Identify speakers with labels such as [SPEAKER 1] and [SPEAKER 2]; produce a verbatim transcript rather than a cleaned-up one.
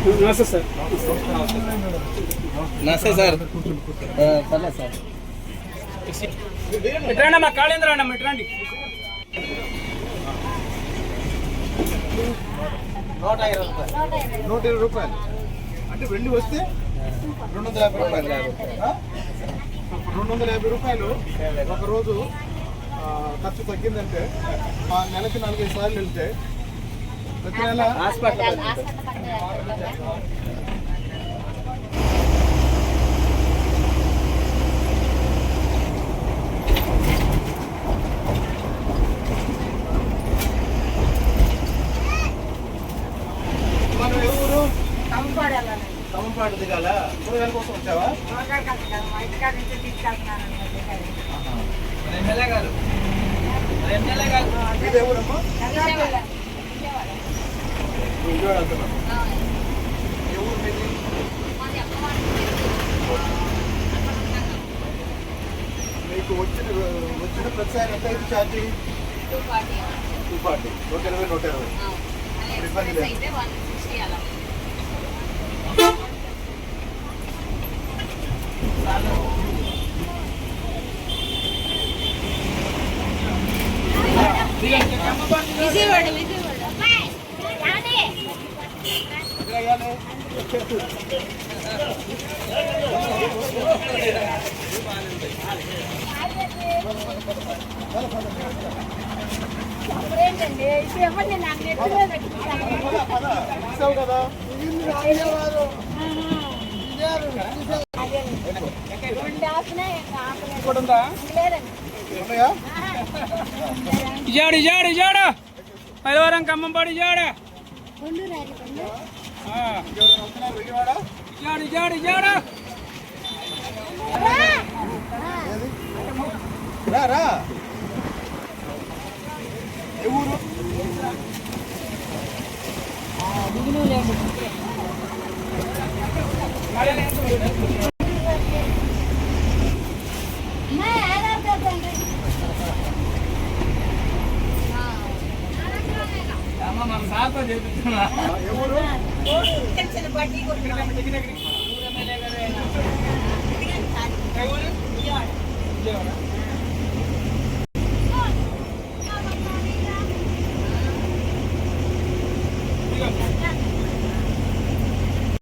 [SPEAKER 1] నమస్తే సార్.
[SPEAKER 2] నమస్తే సార్. పర్లేదు సార్.
[SPEAKER 1] ఎట్రండి మా కాళేంద్ర అన్న ఎట్రండి.
[SPEAKER 2] నూట ఇరవై రూపాయలు.
[SPEAKER 3] నూట ఇరవై రూపాయలు అంటే వెండి వస్తే రెండు వందల యాభై రూపాయలు. రెండు వందల యాభై రూపాయలు ఒకరోజు ఖర్చు తగ్గిందంటే ఆ నెలకి నాలుగైదు సార్లు వెళ్తే ప్రతి నెల
[SPEAKER 2] హాస్పిటల్
[SPEAKER 3] మనం ఎవరు కమ్మంపాడు దిగాల కూరగాయల కోసం వచ్చావా? ఇది ఎవరమ్మా? విజయవాడ వెళ్తున్నాం. ఎవరు మీది? మీకు వచ్చిన వచ్చిన ప్రతిసారి ఎంత అయితే ఛార్జింగ్? Two forty. నూట ఇరవై నూట ఇరవై ఇబ్బంది లేదు.
[SPEAKER 4] విజయవాడ విజయవాడ
[SPEAKER 3] కదా
[SPEAKER 1] ఇజాడు ఇజాడు ఇజాడు పైలవరం ఖమ్మంపాడు ఇజాడు ఇజాడు ఇజాడు ఇజాడు
[SPEAKER 3] రా రా. ఏ ఊరు?
[SPEAKER 1] సార్తో చేపిస్తున్నా.
[SPEAKER 3] ఏ ఊరు?